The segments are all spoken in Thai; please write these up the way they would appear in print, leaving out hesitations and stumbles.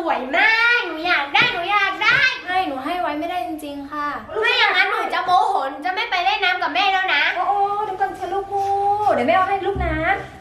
วยมากหนูอยากได้ให้หนูให้ไว้ไม่ได้จริงๆค่ะไม่อย่างนั้นหนูจะโมโหจะไม่ไปเล่นน้ำกับแม่แล้วนะโอ้เดี๋ยวก่อนเชลูกพูเดี๋ยวแม่เอาให้ลูกนะ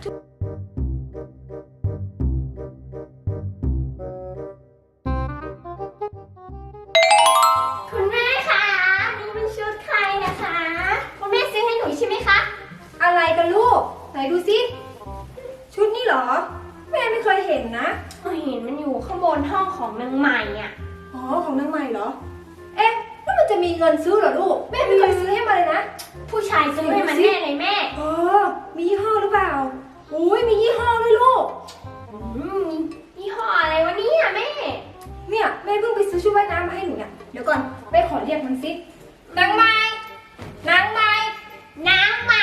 คุณแม่คะนี่เป็นชุดใครนะคะคุณแม่ซื้อให้หนูใช่ไหมคะอะไรกันลูกไหนดูสิชุดนี้เหรอแม่ไม่เคยเห็นนะเห็นมันอยู่ข้างบนห้องของนางใหม่อ่ะอ๋อของนางใหม่เหรอเอ๊ะแล้วมันจะมีเงินซื้อเหรอลูกแม่ไม่เคยซื้อให้มาเลยนะผู้ชายซื้อให้มันแน่เลยแม่อ๋อมียี่ห้อหรือเปล่าอุ้ยมียี่ห้อด้วยลูกยี่ห้ออะไรวะเนี่ยแม่เนี่ยแม่เพิ่งไปซื้อชุดว่ายน้ำมาให้หนูเนี่ยเดี๋ยวก่อนแม่ขอเรียกมันสินางใหม่นางใหม่น้ำไหม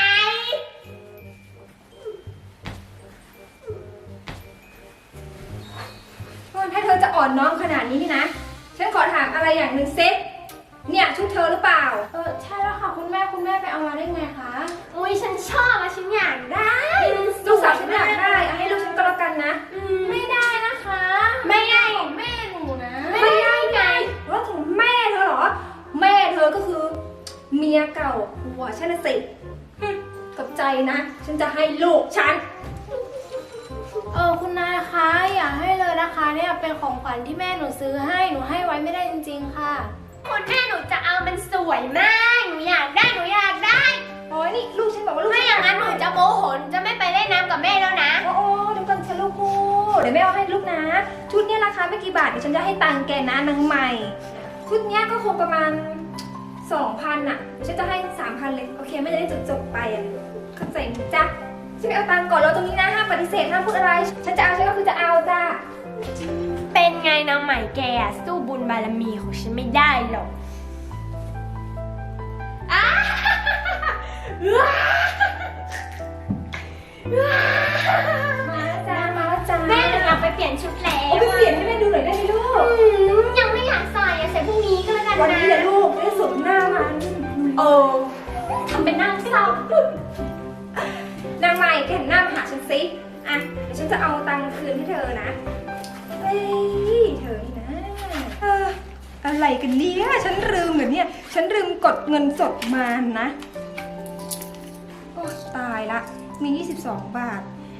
ถ้าเธอจะอ่อนน้อมขนาดนี้นี่นะ ฉันขอถามอะไรอย่างหนึ่งเซ็ตเนี่ยชุดเธอหรือเปล่าใช่แล้วค่ะคุณแม่ไปเอามาได้ไงคะอุ้ยฉันชอบอะฉันอยากได้ลูกสาวฉันอยากได้เอาให้ลูกฉันก็แล้วกันนะไม่ได้นะคะไม่ได้ของแม่หนูนะไม่ได้ไงว่าของแม่เธอเหรอ แม่เธอก็คือเมียเก่าผัวฉันน่ะสิกับใจนะ ฉันจะให้ลูกฉันคุณนายคะอย่าให้เลยนะคะเนี่ยเป็นของขวัญที่แม่หนูซื้อให้หนูให้ไว้ไม่ได้จริงๆค่ะคุณแม่หนูจะเอามันสวยมากหนูอยากได้โอ้ยนี่ลูกฉันบอกว่าลูกไม่อย่างนั้นหนูจะโมโหจะไม่ไปเล่นน้ำกับแม่แล้วนะโอ้เดี๋ยวก่อนฉันลูกพูเดี๋ยวแม่เอาให้ลูกนะ ชุดเนี้ยราคาไม่กี่บาทเดี๋ยวฉันจะให้ตังค์แกนะนางใหม่ ชุดเนี้ยก็คงประมาณ 2,000อ่ะเดี๋ยวฉันจะให้ 3,000เลยโอเคไม่จะได้จบไปอ่ะเข้าใจไหมจ๊ะฉันไปเอาตังค์ก่อนรอตรงนี้นะห้ามปฏิเสธห้ามพูดอะไรฉันจะเอาฉันก็คือจะเอาจ้าเป็นไงนางใหม่แกสู้บุญบารมีของฉันไม่ได้หรอกมาแล้วจ้ามาแล้วจ้าแม่หนูอยากไปเปลี่ยนชุดแล้วเอาไปเปลี่ยนให้แม่ดูหน่อยได้ไหมลูกยังไม่อยากใส่อะใส่พรุ่งนี้ก็แล้วกันนะวันนี้แหละลูกได้สวมหน้ามันทำเป็นนั่งเศร้านางใหม่แกหันหน้ามาหาฉันสิอ่ะเดี๋ยวฉันจะเอาตังค์คืนให้เธอนะเฮ้ยเธอนี่นะอะไรกันเนี่ยฉันลืมเหรอเนี่ยฉันลืมกดเงินสดมานะโอ้ตายละมี22 บาท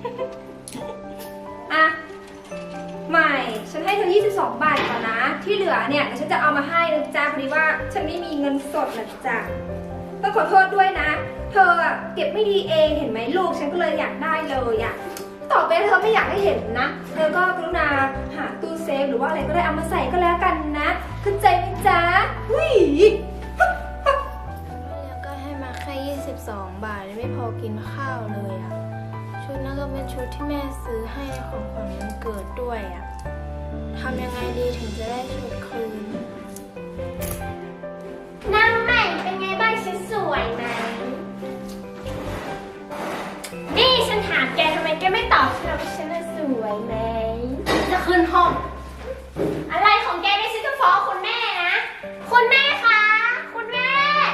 อ่ะใหม่ฉันให้เธอ22 บาทก่อนนะที่เหลือเนี่ยเดี๋ยวฉันจะเอามาให้นะจ๊ะพอดีว่าฉันไม่มีเงินสดนะจ๊ะต้องขอโทษด้วยนะ เธออะเก็บไม่ดีเองเห็นไหมลูกฉันก็เลยอยากได้เลยอะต่อไปเธอไม่อยากให้เห็นนะเธอก็กรุณาหาตู้เซฟหรือว่าอะไรก็ได้เอามาใส่ก็แล้วกันนะเข้าใจไหมจ๊ะวิ่งแล้วก็ให้มาแค่22 บาทไม่พอกินข้าวเลยอะชุดนั้นก็เป็นชุดที่แม่ซื้อให้ในของขวัญวันเกิดด้วยอะทำยังไงดีถึงจะได้ชุดคืนนางใหม่เป็นไงบ้างฉันสวยไหมนี่ฉันถามแกทำไมแกไม่ตอบฉันว่าฉันน่ะสวยไหมจะขึ้นห้อง อะไรของแกได้ฉันจะฟ้องคุณแม่นะ คุณแม่คะคุณแม่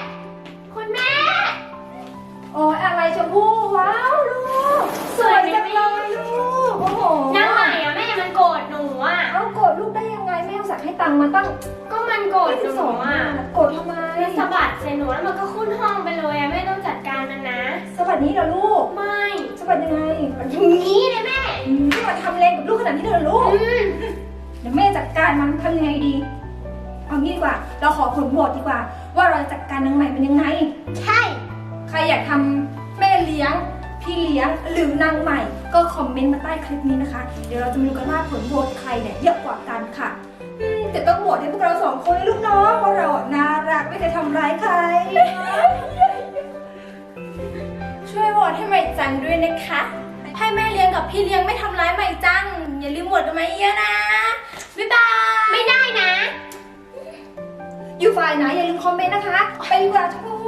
โอ้ยอะไรชมพู่ว้าวลูกสวยจังเลยลูกโอ้โหนางใหม่อะแม่มันโกรธหนูอะเอาโกรธลูกได้ยังไงแม่อุตส่าห์ให้ตังค์มาตั้งก็มันโกรธหนูอะโกรธทำไมมันสะบัดใส่หนูแล้วมันก็ขึ้นห้องไปเลยอะแม่ต้องจัดการมันนะสวัสดีเหรอลูกไม่สวัสดียังไงอย่างนี้เลยแม่ที่มาทำแรงกับลูกขนาดนี้เลยเหรอลูก เดี๋ยวแม่จัดการมันทำยังไงดี เอางี้ดีกว่า เราขอผลโหวตดีกว่า ว่าเราจะจัดการนางใหม่เป็นยังไงใช่ใครอยากทำแม่เลี้ยง พี่เลี้ยงหรือนางใหม่ ก็คอมเมนต์มาใต้คลิปนี้นะคะ เดี๋ยวเราจะมาดูกันว่าผลโหวตใครเนี่ยเยอะกว่ากันค่ะแต่ต้องโหวตให้พวกเรา2 คนเลยลูกน้องเพราะเราอะน่ารักไม่เคยทำร้ายใครช่วยโหวตให้ใหม่จังด้วยนะคะ ให้แม่เลี้ยงกับพี่เลี้ยงไม่ทำร้ายใหม่จัง อย่าลืมโหวตกันมาเยอะนะ บ๊ายบายไม่ได้นะอยู่ฝ่ายไหนอย่าลืมคอมเมนต์นะคะ ไปดีกว่าทุกคน